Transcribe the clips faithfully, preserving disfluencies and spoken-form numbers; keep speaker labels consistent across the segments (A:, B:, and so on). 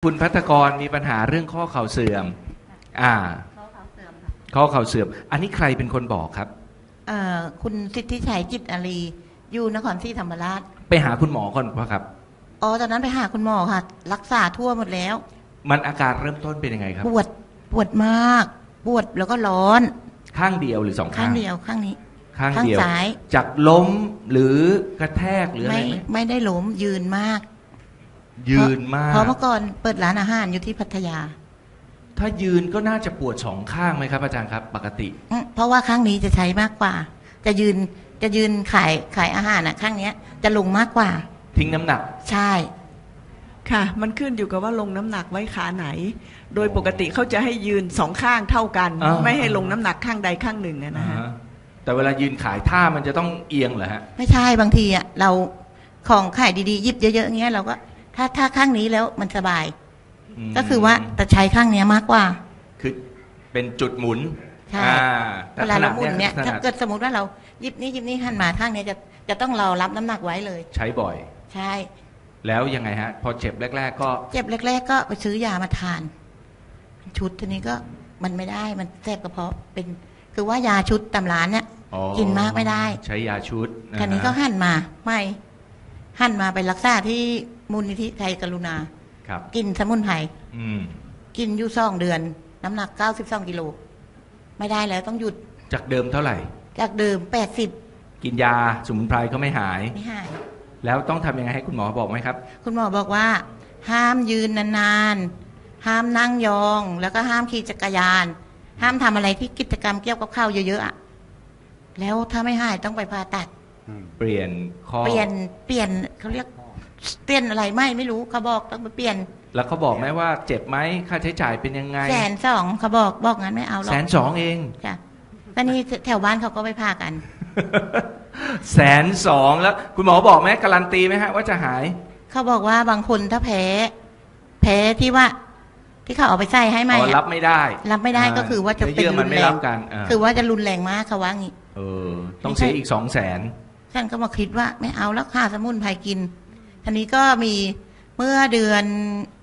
A: คุณภัทรกรมีปัญหาเรื่องข้อเข่าเสื่อมอ่าข้อเข่าเสื่อมข้อเข่าเสื่อมอันนี้ใครเป็นคนบอกครับ
B: เอ่อคุณสิทธิชัยจิตอารีอยู่นครศรีธรรมราช
A: ไปหาคุณหมอก่อนป่ะครับ
B: อ๋อตอนนั้นไปหาคุณหมอค่ะรักษาทั่วหมดแล้ว
A: มันอาการเริ่มต้นเป็นยังไงครับ
B: ปวดปวดมากปวดแล้วก็ร้อน
A: ข้างเดียวหรือสองข้าง
B: ข้างเดียวข้างนี้
A: ข้างเดียวซ้ายจากล้มหรือกระแทกหรืออะไรไหม
B: ไม่ได้ล้มยืนมาก
A: ยืนมาก
B: เพราะเมื่อก่อนเปิดร้านอาหารอยู่ที่พัทยา
A: ถ้ายืนก็น่าจะปวดสองข้างไหมครับอาจารย์ครับปกติ
B: เพราะว่าข้างนี้จะใช้มากกว่าจะยืนจะยืนขายขายอาหารอ่ะข้างเนี้ยจะลงมากกว่า
A: ทิ้งน้ำหนัก
B: ใช่
C: ค่ะมันขึ้นอยู่กับว่าลงน้ำหนักไว้ขาไหนโดยปกติเขาจะให้ยืนสองข้างเท่ากันไม่ให้ลงน้ำหนักข้างใดข้างหนึ่งนะฮะ
A: แต่เวลายืนขายท่ามันจะต้องเอียงเหรอฮะ
B: ไม่ใช่บางทีอ่ะเราของขายดีๆยิบเยอะๆเงี้ยเราก็ถ้าถ้าข้างนี้แล้วมันสบายก็คือว่าแต่ใช้ข้างนี้มากกว่า
A: คือเป็นจุดหมุน
B: ใช่เวลาเราหมุนเนี่ยถ้าเกิดสมมติว่าเรายิบนี้ยิบนี้หันมาข้างนี้จะจะต้องเรารับน้ำหนักไว้เลย
A: ใช้บ่อย
B: ใช่
A: แล้วยังไงฮะพอเจ็บแรกๆก็
B: เจ็บแรกๆก็ไปซื้อยามาทานชุดทีนี้ก็มันไม่ได้มันแสบกระเพาะเป็นคือว่ายาชุดตำร้านเนี่ยกินมากไม่ได้
A: ใช้ยาชุด
B: ทีนี้ก็หันมาไม่หันมาไปรักษาที่มูลนิธิไทยกรุณากินสมุนไพรกินอยู่สองเดือนน้ำหนักเก้าสิบสองกิโลไม่ได้แล้วต้องหยุด
A: จากเดิมเท่าไหร่
B: จากเดิมแปดสิบ
A: กินยาสมุนไพรก็ไม่หาย
B: ไม่หาย
A: แล้วต้องทำยังไงให้คุณหมอบอกไหมครับ
B: คุณหมอบอกว่าห้ามยืนนานๆห้ามนั่งยองแล้วก็ห้ามขี่จักรยานห้ามทำอะไรที่กิจกรรมเกี่ยวกับข้าวเยอะๆอะแล้วถ้าไม่หายต้องไปผ่าตัด
A: เปลี่ยนข้อ
B: เปลี่ยนเปลี่ยนเขาเรียกเปลี่ยนอะไรไม่ไม่รู้เขาบอกต้องไปเปลี่ยน
A: แล้วเขาบอกไหมว่าเจ็บไหมค่าใช้จ่ายเป็นยังไง
B: แสนสองเขาบอกบอกงั้นไม่เอาหรอก
A: แสนสองเอง
B: จ้ะตอนนี้แถวบ้านเขาก็ไปผ่ากัน
A: แสนสองแล้วคุณหมอบอกไหมการันตีไหมฮะว่าจะหาย
B: เขาบอกว่าบางคนถ้าแพ้แพ้ที่ว่าที่เขาเอาไปใส่ให้ไหม
A: รับไม่ได้
B: รับไม่ได้ก็คือว่าจะเป็นรุนแรงคือว่าจะรุนแรงมากเขาว่างี้
A: เออต้องเสียอีกสองแสน
B: ฉันก็มาคิดว่าไม่เอาแล้วค่าสมุนไพรกินทีนี้ก็มีเมื่อเดือน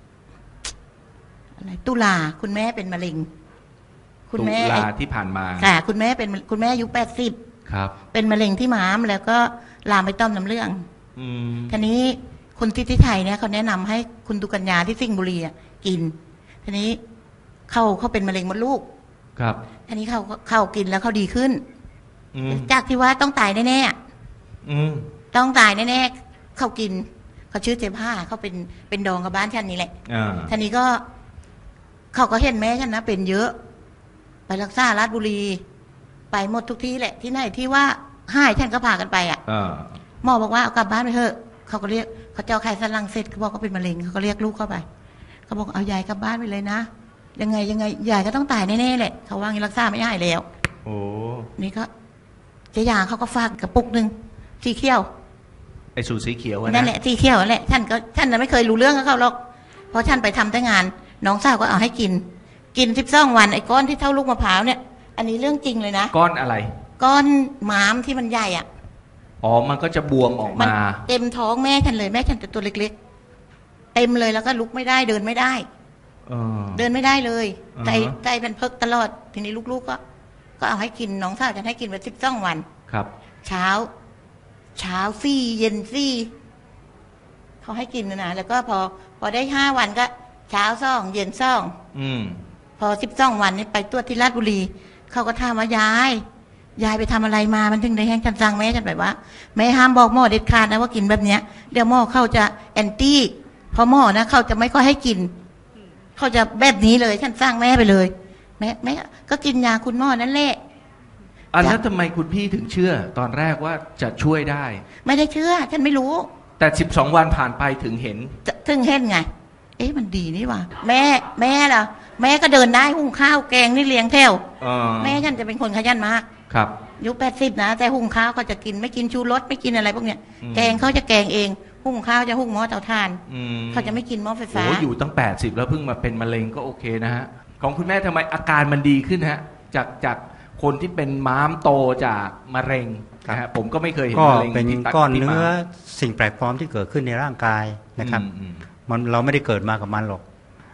B: อะไรตุลาคุณแม่เป็นมะเร็ง
A: คุณแม่ตุลาที่ผ่านมา
B: ค่ะคุณแม่เป็นคุณแม่อายุแปดสิบ
A: ครับ
B: เป็นมะเร็งที่ม้ามแล้วก็ลามไปต้อมน้ำเลือดทีนี้คุณทิติชัยเนี่ยเขาแนะนำให้คุณตุกัญญาที่สิงห์บุรีกินทีนี้เขาเขาเป็นมะเร็งมดลูก
A: ครับ
B: ทีนี้เขาเขากินแล้วเขาดีขึ้นจากที่ว่าต้องตายแน่ๆต้องตายแน่ๆเขากินเขาชื่อเจ๊ผ้าเขาเป็นเป็นดองกับบ้านฉันนี่แหละทีนี้ก็เขาก็เห็นแม่ฉันนะเป็นเยอะไปรักษาราชบุรีไปหมดทุกที่แหละที่ไหนที่ว่าหายฉันก็พากันไปอ่ะหมอบอกว่าเอากลับบ้านไปเถอะเขาก็เรียกเขาเจ้าไข่สันหลังเสร็จเขาบอกเขาเป็นมะเร็งเขาก็เรียกลูกเข้าไปเขาบอกเอายายกลับบ้านไปเลยนะยังไงยังไงยายก็ต้องตายแน่ๆแหละเขาว่างี้รักษาไม่หายแล้ว
A: โอ้
B: นี่ก็เจ๊ยาเขาก็ฝากกระปุกหนึ่งสีเขียว
A: ไอ้สูตรสีเขียว
B: นั่นแหละสีเขียวนั่นแหละท่านก็ท่านน่ะไม่เคยรู้เรื่องกับเขาหรอกเพราะท่านไปทำแต่งานน้องสาวก็เอาให้กินกินสิบสองวันไอ้ก้อนที่เท่าลูกมะพร้าวเนี่ยอันนี้เรื่องจริงเลยนะ
A: ก้อนอะไร
B: ก้อนม้ามที่มันใหญ่อ่ะ
A: อ๋อมันก็จะบวมออกมา
B: เต็มท้องแม่ฉันเลยแม่ฉันแต่ตัวเล็กๆเต็มเลยแล้วก็ลุกไม่ได้เดินไม่ได้เดินไม่ได้เลยใจใจเป็นเพิกตลอดทีนี้ลูกๆก็ก็เอาให้กินน้องสาวจะให้กินไปสิบสองวัน
A: ครับ
B: เช้าเช้าซี่เย็นซี่เขาให้กินนะนะแล้วก็พอพอได้ห้าวันก็เช้าซ่องเย็นซ่องพอสิบสองวันนี้ไปตรวจที่ราชบุรีเขาก็ถามว่ายายยายไปทำอะไรมามันถึงได้แห้งจันจังแม่ฉันแบบว่าแม่ห้ามบอกหมอเด็ดขาดนะว่ากินแบบเนี้ยเดี๋ยวหมอเขาจะแอนตี้เพราะหมอนะเขาจะไม่ค่อยให้กินเขาจะแบบนี้เลยฉันสร้างแม่ไปเลยแม่แม่ก็กินยาคุณหมอนั่นแหละ
A: อ่ะแล้วทำไมคุณพี่ถึงเชื่อตอนแรกว่าจะช่วยได้
B: ไม่ได้เชื่อฉันไม่รู้
A: แต่สิบสองวันผ่านไปถึงเห็น
B: ถึงเห็นไงเอ๊ะมันดีนี่ว่ะแม่แม่ล่ะแม่ก็เดินได้หุงข้าวแกงนี่เลี้ยงแถวแม่ฉันจะเป็นคนขยันมาก
A: ครับ
B: ยุคแปดสิบนะแต่หุงข้าวเขาจะกินไม่กินชูรสไม่กินอะไรพวกเนี้ยแกงเขาจะแกงเองหุงข้าวจะหุงหม้อเตาถ่านเขาจะไม่กินหม้อไฟฟ้า
A: โอ้อยู่ตั้งแปดสิบแล้วเพิ่งมาเป็นมะเร็งก็โอเคนะฮะของคุณแม่ทำไมอาการมันดีขึ้นฮะจากจากคนที่เป็นม้ามโตจากมะเร็งนะฮะผมก็ไม่เคยเห็นมะเร็ง
D: ก็เป็นก้อนเนื้อสิ่งแปลกปลอมที่เกิดขึ้นในร่างกายนะครับมันเราไม่ได้เกิดมากับมันหรอก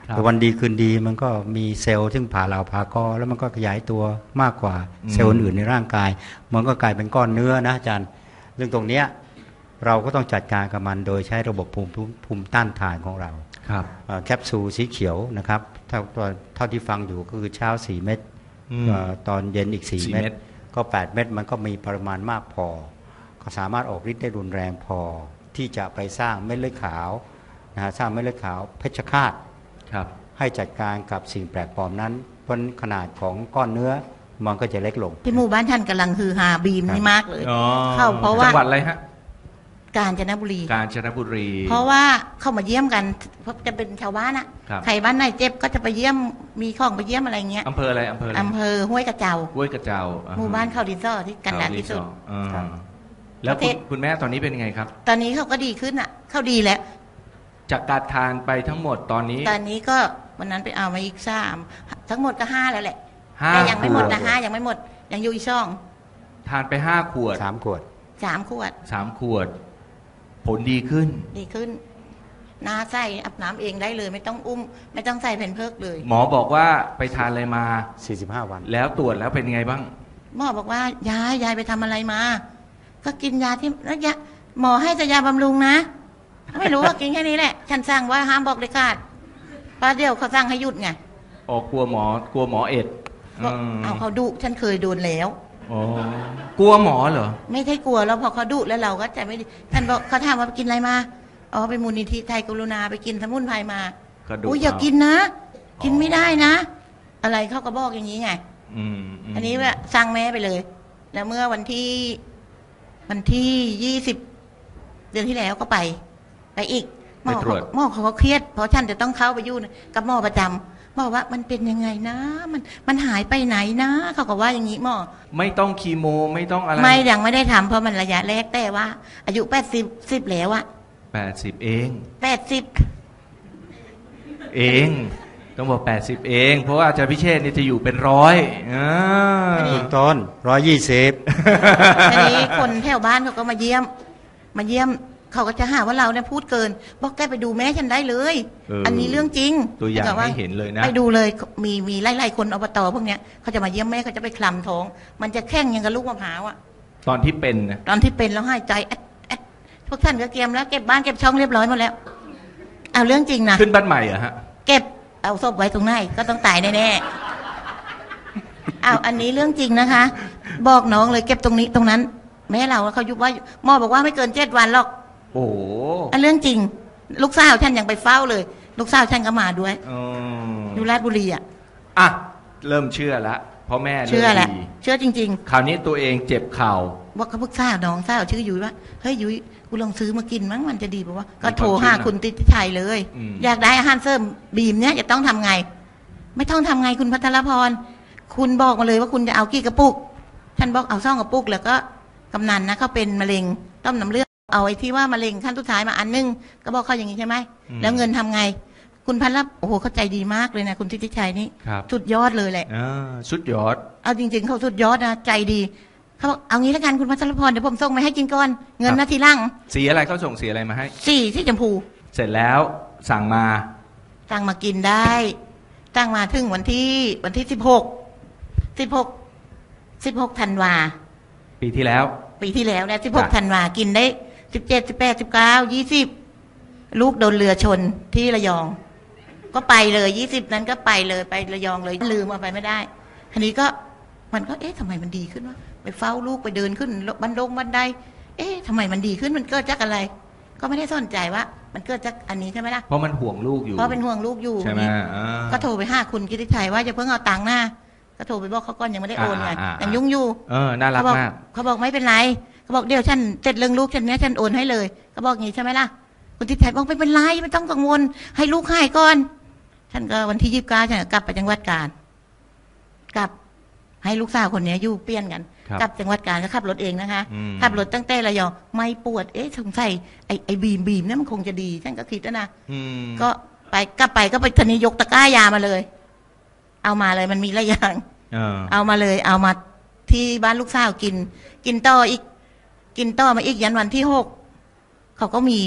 D: แต่วันดีคืนดีมันก็มีเซลล์ซึ่งผ่าเหลาผ่ากอแล้วมันก็ขยายตัวมากกว่าเซลล์อื่นในร่างกายมันก็กลายเป็นก้อนเนื้อนะอาจารย์เรื่องตรงเนี้ยเราก็ต้องจัดการกับมันโดยใช้ระบบภูมิภูมิต้านทานของเรา
A: ครับ
D: แคปซูลสีเขียวนะครับเท่าเท่าที่ฟังอยู่ก็คือเช้าสี่เม็ดตอนเย็นอีกสี่เม็ดก็แปดเม็ดมันก็มีปริมาณมากพอก็สามารถออกฤทธิ์ได้รุนแรงพอที่จะไปสร้างเม็ดเลือดขาวนะฮะสร้างเม็ดเลือดขาวเพชฌฆาตให้จัดการกับสิ่งแปลกปลอมนั้นเพราะขนาดของก้อนเนื้อมันก็จะเล็กลง
B: ที่หมู่บ้านท่านกำลังฮือฮาบีมนี่มากเลยเข้าเพราะว่า
A: จังหวัดอะไรฮะ
B: กาญจนบุรี
A: กาญจนบุรี
B: เพราะว่าเข้ามาเยี่ยมกันเพราะจะเป็นชาวบ้านอะใครบ้านไหนเจ็บก็จะไปเยี่ยมมีของไปเยี่ยมอะไรเงี้ย
A: อำเภออะไรอำเภออะไร
B: อำเภอห้วยกระเจ้า
A: ห้วยกระเจ้า
B: หมู่บ้านเขาดินซ่อที่กันดารที่สุด
A: แล้วคุณแม่ตอนนี้เป็นยังไงครับ
B: ตอนนี้เขาก็ดีขึ้นอ่ะเขาดีแล้ว
A: จากการทานไปทั้งหมดตอนนี้
B: ตอนนี้ก็วันนั้นไปเอามาอีกสามทั้งหมดก็ห้าแล้วแหละแต่ยังไม่หมดนะห้ายังไม่หมดยังอยู่อีกช่อง
A: ทานไปห้าขวด
D: สามขวด
B: สามขวด
A: สามขวดผลดีขึ้น
B: ดีขึ้นน้าใส่อาบน้ำเองได้เลยไม่ต้องอุ้มไม่ต้องใส่แผ่นเพิกเลย
A: หมอบอกว่าไปทานอะไรมา
D: สี่สิบห้าวัน
A: แล้วตรวจแล้วเป็นไงบ้าง
B: หมอบอกว่ายายยายไปทำอะไรมาก็กินยาที่แล้วยาหมอให้แต่ยาบำรุงนะไม่รู้ว่ากินแค่นี้แหละฉันสั่งว่าห้ามบอกเลยขาดเพราะเดี๋ยวเขาสั่งให้หยุดไง
A: อ๋อกลัวหมอกลัวหมอเอ็ด
B: เอาเขาดุฉันเคยโดนแล้ว
A: อ๋อกลัวหมอเหรอ
B: ไม่ใช่กลัวแล้วพอเขาดุแล้วเราก็จะไม่ท่านบอกเขาถามว่าไปกินอะไรมาอ๋อไปมูลนิธิไทยกรุณาไปกินสมุนไพรมาอุ้ยอย่ากินนะกินไม่ได้นะอะไรเขาก็บอกอย่างนี้ไงอันนี้ว่าสั่งแม่ไปเลยแล้วเมื่อวันที่วันที่ยี่สิบเดือนที่แล้วก็ไปไปอีกหมอหมอเขาก็เครียดเพราะฉันจะต้องเข้าไปยุ่งกับหมอประจำบอกว่ามันเป็นยังไงนะมันมันหายไปไหนนะเขาก็ว่าอย่างนี้หมอ
A: ไม่ต้องคีโมไม่ต้องอะไร
B: ไม่ยังไม่ได้ทำเพราะมันระยะแรกแต่ว่าอายุแปดสิบสิบแล้วอะ
A: แปดสิบเอง
B: แปดสิบ
A: เองต้องบอกแปดสิบเองเพราะว่าอาจารย์พิเชษฐ์นี่จะอยู่เป็นร้อยอ่า
D: ต้นร้อยยี่สิบ
B: ทีนี้คนแถวบ้านเขาก็มาเยี่ยมมาเยี่ยมเขาก็จะหาว่าเราเนี่ยพูดเกินบอกแกไปดูแม่ฉันได้เลยอันนี้เรื่องจริง
A: ตัวอย่างให้เห็นเลยนะ
B: ไปดูเลยมีมีไล่ๆคนอบตพวกเนี้ยเขาจะมาเยี่ยมแม่เขาจะไปคลำท้องมันจะแข็งยังกับลูกมะพร้าวอะ
A: ตอนที่เป็นนะ
B: ตอนที่เป็นแล้วหายใจแอดแอดพวกท่านก็เตรียมแล้วเก็บบ้านเก็บช่องเรียบร้อยหมดแล้วเอาเรื่องจริงนะ
A: ขึ้นบ้านใหม่เหรอฮะ
B: เก็บเอาศพไว้ตรงไหนก็ต้องตายแน่ๆเอาอันนี้เรื่องจริงนะคะบอกน้องเลยเก็บตรงนี้ตรงนั้นแม่เราเขายุบว่าหมอบอกว่าไม่เกินเจ็ดวันหรอก
A: โอ้
B: อันเรื่องจริงลูกสาวฉันยังไปเฝ้าเลยลูกสาวฉันก็มาด้วยอยู่ราชบุรีอ่ะ
A: อ่ะเริ่มเชื่อแล้วเพราะแม่
B: เชื่อแหละเชื่อจริง
A: ๆคราวนี้ตัวเองเจ็บเข่า
B: ว่าเขาพึกสาวน้องสาวชื่อยุ้ยว่าเฮ้ยยุ้ยกูลองซื้อมากินมั้งมันจะดีป่ะวะก็โทรหาคุณติชัยเลยอยากได้อาหารเสริมบีมเนี้ยจะต้องทำไงไม่ต้องทำไงคุณพัทรพรคุณบอกมาเลยว่าคุณจะเอากี่กระปุกฉันบอกเอาซ่องกระปุกแล้วก็กำนันนะเขาเป็นมะเร็งต้อมน้ำเลือดเอาไอ้ที่ว่ามะเร็งขั้นสุดท้ายมาอันนึงก็บอกเขาอย่างนี้ใช่ไหมแล้วเงินทำไงคุณพันรับโอ้โหเขาใจดีมากเลยนะคุณทิติชัยนี่สุดยอดเลยแหละ
A: สุดยอด
B: เอาจริงๆเขาสุดยอดนะใจดีเขาบอกเอางี้แล้วกันคุณพัชรพรเดี๋ยวผมส่งมาให้กินก่อนเงินนาทีล่าง
A: สีอะไรเขาส่งสีอะไรมาให้
B: สีที่ชมพู
A: เสร็จแล้วสั่งมา
B: สั่งมากินได้สั่งมาถึงวันที่วันที่สิบหกสิบหกสิบหกธันวา
A: ปีที่แล้ว
B: ปีที่แล้วนะสิบหกธันวากินได้สิบเจ็ดสิบแปดสิบเก้ายี่สิบลูกโดนเรือชนที่ระยองก็ไปเลยยี่สิบนั้นก็ไปเลยไประยองเลยลืมเอาไปไม่ได้ทีนี้ก็มันก็เอ๊ะทำไมมันดีขึ้นวะไปเฝ้าลูกไปเดินขึ้นบันดงบันไดเอ๊ะทำไมมันดีขึ้นมันเกิดจากอะไรก็ไม่ได้สนใจว่ามันเกิดจากอันนี้ใช่ไหมล่ะ
A: เพราะมันห่วงลูกอยู่
B: เพราะเป็นห่วงลูกอยู่
A: ใช่ไหม
B: ก็โทรไปหาคุณกิติชัยว่าจะเพิ่งเอาตังค์หน้าก็โทรไปบอกเขาก่อนยังไม่ได้โอนไงยังยุ่งอยู่
A: เออน่ารักมาก
B: เขาบอกไม่เป็นไรเขาบอกเดี๋ยวฉันเสร็จเรื่องลูกฉันเนี้ยฉันโอนให้เลยเขาบอกงี้ใช่ไหมล่ะคุณทิชัยบอกไม่เป็นไรไม่ต้องกังวลให้ลูกหายก่อนฉันก็วันที่ยี่สิบเก้าฉันกลับไปจังหวัดกาญกลับให้ลูกสาวคนนี้อยู่เปลี่ยนกันกลับจังหวัดกาญก็ขับรถเองนะคะขับรถตั้งแต่ระยองไม่ปวดเอ๊ะสงสัยไอ้ไอ้บีมบีมเนี่ยมันคงจะดีฉันก็คิดนะก็ไปกลับไปก็ไปทนียกตะกร้ายามาเลยเอามาเลยมันมีหลายอย่างเอามาเลยเอามาที่บ้านลูกสาวกินกินต่ออีกกินต่อมาอีกยันวันที่หกเขาก็มีเขา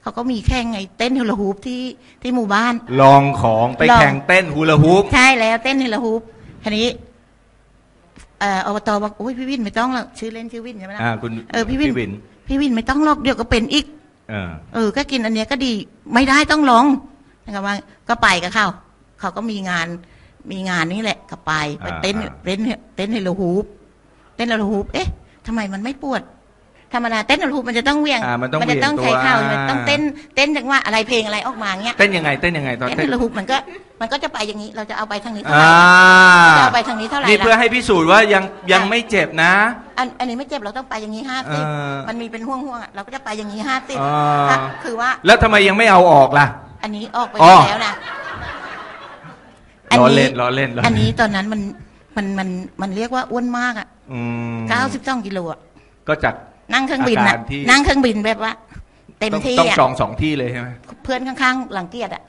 B: เขาก็มีแข่งไงเต้นฮูลาฮูปที่ที่หมู่บ้าน
A: ลองของไปแข่งเต้นฮูลาฮูป
B: ใช่แล้วเต้นฮูลาฮูปทีนี้เอ่ออบตบอกโอ้ยพี่วินไม่ต้องหรอกชื่อเล่นชื่อวินใช่ไหมล่ะ
A: อ่าคุณ
B: เออพี่วินพี่วินไม่ต้องหรอกเดี๋ยวก็เป็นอีก
A: เออ
B: เออก็กินอันเนี้ยก็ดีไม่ได้ต้องลองนะครับว่าก็ไปกับเขาเขาก็มีงานมีงานนี่แหละก็ไปไปเต้นเต้นเต้นฮูลาฮูปเต้นฮูลาฮูปเอ๊ะทำไมมันไม่ปวดธรรมดาเต้นฮูลาฮูปมันจะต้องเวียง
A: มัน
B: จะต้องใช้เข่ามันต้องเต้นเต้นจังว่าอะไรเพลงอะไรออกมาเงี้ย
A: เต้นยังไงเต้นยังไงตอน
B: เต้นฮูลาฮูปมันก็มันก็จะไปอย่างนี้เราจะเอาไปทางนี้เท่า
A: ไหร่
B: จะเอาไปทางนี้เท่าไหร่
A: นี่เพื่อให้พิสูจน์ว่ายังยังไม่เจ็บนะ
B: อันอันนี้ไม่เจ็บเราต้องไปอย่างนี้ห้าสิบมันมีเป็นห่วงห่วงเราก็จะไปอย่างนี้ห้าสิบคือว่า
A: แล้วทำไมยังไม่เอาออกล่ะ
B: อันนี้ออกไปแล้วนะ
A: ล้อเล่นล้อเล่น
B: อันนี้ตอนนั้นมันมันมันมันเรียกว่าอ้วนมากอ่ะเก้าสิบสองกิโลอ่ะ
A: ก็จาก
B: นั่งเครื่องบินนะนั่งเครื่องบินแบบว่าเต็มที่
A: ต้องจองสองที่เลยใช่ไหม
B: เพื่อนข้างๆหลังเกียรติอ่ะ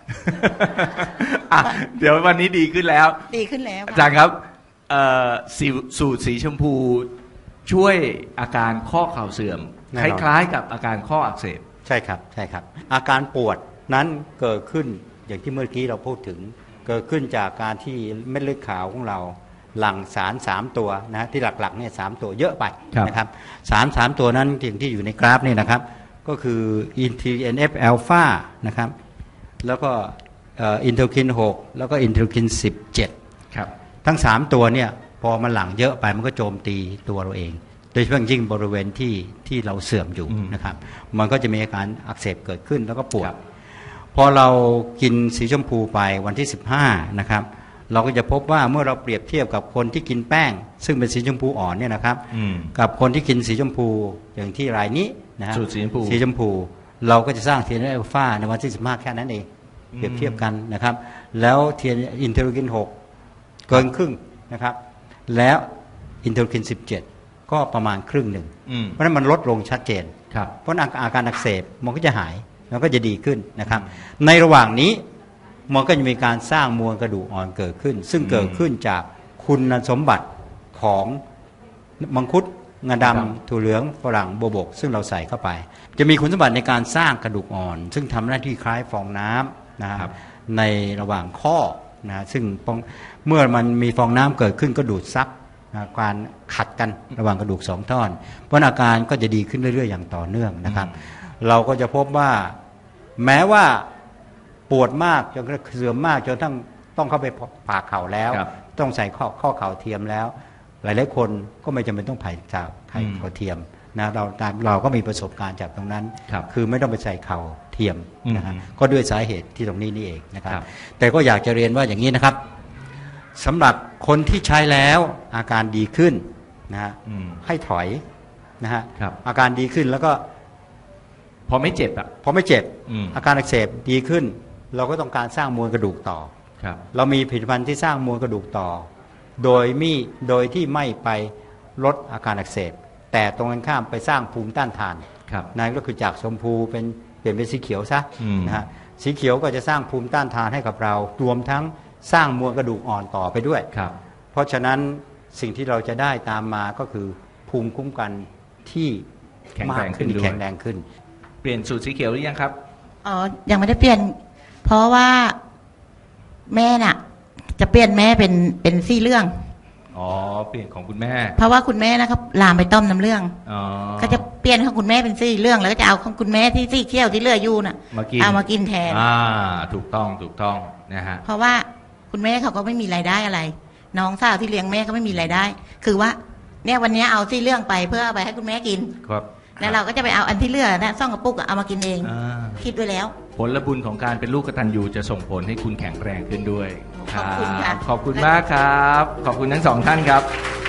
A: เดี๋ยววันนี้ดีขึ้นแล้ว
B: ดีขึ้นแล้ว
A: อาจารย์ครับสูตรสีชมพูช่วยอาการข้อเข่าเสื่อมคล้ายๆกับอาการข้ออักเสบ
D: ใช่ครับใช่ครับอาการปวดนั้นเกิดขึ้นอย่างที่เมื่อกี้เราพูดถึงเกิดขึ้นจากการที่เม็ดเลือดขาวของเราหลั่งสารสามตัวนะที่หลักๆเนี่ยสามตัวเยอะไปนะครับสารสามตัวนั้นที่ที่อยู่ในกราฟนี่นะครับก็คืออินที เอ็น เอฟ อัลฟานะครับแล้วก็อินเทอร์คินหกแล้วก็อินเทอร์คินสิบเจ็ด
A: ครับ
D: ทั้งสามตัวเนี่ยพอมันหลั่งเยอะไปมันก็โจมตีตัวเราเองโดยเฉพาะยิ่งบริเวณที่ที่เราเสื่อมอยู่นะครับมันก็จะมีอาการอักเสบเกิดขึ้นแล้วก็ปวดพอเรากินสีชมพูไปวันที่สิบห้านะครับเราก็จะพบว่าเมื่อเราเปรียบเทียบกับคนที่กินแป้งซึ่งเป็นสีชมพูอ่อนเนี่ยนะครับกับคนที่กินสีชมพูอย่างที่รายนี้นะฮะ
A: สีชมพู
D: สีชมพูเราก็จะสร้างเทียนอัลฟาในวันที่สิบห้าแค่นั้นเองเปรียบเทียบกันนะครับแล้วเทียนอินเทอร์คินหกเกินครึ่งนะครับแล้วอินเทอร์คินสิบเจ็ดก็ประมาณครึ่งหนึ่งเพราะนั้นมันลดลงชัดเจนเพราะอาการอักเสบมันก็จะหายมันก็จะดีขึ้นนะครับในระหว่างนี้มันก็จะมีการสร้างมวลกระดูกอ่อนเกิดขึ้นซึ่งเกิดขึ้นจากคุณสมบัติของมังคุดงาดำถั่วเหลืองฝรั่งโบวบกซึ่งเราใส่เข้าไปจะมีคุณสมบัติในการสร้างกระดูกอ่อนซึ่งทำหน้าที่คล้ายฟองน้ำนะครับในระหว่างข้อนะซึ่งเมื่อมันมีฟองน้ำเกิดขึ้นก็ดูดซับการขัดกันระหว่างกระดูกสองท่อนเพราะอาการก็จะดีขึ้นเรื่อยๆอย่างต่อเนื่องนะครับเราก็จะพบว่าแม้ว่าปวดมากจนเสื่อมมากจนทั้งต้องเข้าไปผ่าเข่าแล้วต้องใส่ข้อข้อเข่าเทียมแล้วหลายๆคนก็ไม่จำเป็นต้องผ่าจากไข่เข่าเทียมนะเราเราก็มีประสบการณ์จากตรงนั้น
A: ค,
D: คือไม่ต้องไปใส่เข่าเทียมนะฮะก็ด้วยสาเหตุที่ตรงนี้นี่เองนะครับแต่ก็อยากจะเรียนว่าอย่างนี้นะครับสำหรับคนที่ใช้แล้วอาการดีขึ้นนะฮะให้ถอยนะฮะอาการดีขึ้นแล้วก็
A: พอไม่เจ็บอ่ะ
D: พอไม่เจ็บอาการอักเสบดีขึ้นเราก็ต้องการสร้างมวลกระดูกต่อเรามีผลิตภัณฑ์ที่สร้างมวลกระดูกต่อโดยมีโดยที่ไม่ไปลดอาการอักเสบแต่ตรงกันข้ามไปสร้างภูมิต้านทานนั่นก็คือจากชมพูเป็นเปลี่ยนเป็นสีเขียวซะนะฮะสีเขียวก็จะสร้างภูมิต้านทานให้กับเรารวมทั้งสร้างมวลกระดูกอ่อนต่อไปด้วยเพราะฉะนั้นสิ่งที่เราจะได้ตามมาก็คือภูมิคุ้มกันที่
A: แข็งแรงขึ้น
D: แข็งแรงขึ้น
A: เปลี่ยนสูตรสีเขียวหรือยังครับ
B: อ๋อยังไม่ได้เปลี่ยนเพราะว่าแม่น่ะจะเปลี่ยนแม่เป็นเป็นสีเหลือง
A: อ๋อเปลี่ยนของคุณแม่
B: เพราะว่าคุณแม่นะครับลามไปต้มน้ำเหลืองอ๋อก็จะเปลี่ยนของคุณแม่เป็นสีเหลืองแล้วก็จะเอาของคุณแม่ที่สีเขียวที่เหลืออยู่น่ะเอามากินแทน
A: อ่าถูกต้องถูกต้องนะฮะ
B: เพราะว่าคุณแม่เขาก็ไม่มีรายได้อะไรน้องสาวที่เลี้ยงแม่ก็ไม่มีรายได้คือว่าเนี่ยวันนี้เอาสีเหลืองไปเพื่อเอาไปให้คุณแม่กิน
A: ครับ
B: แล้วเราก็จะไปเอาอันที่เหลือนะซ่องกระปุกเอามากินเองคิดไว้แล้ว
A: ผลบุญของการเป็นลูกกตัญญูจะส่งผลให้คุณแข็งแรงขึ้นด้วย
B: ขอบคุณค่ะ
A: ขอบคุณมากครับขอบคุณทั้งสองท่านครับ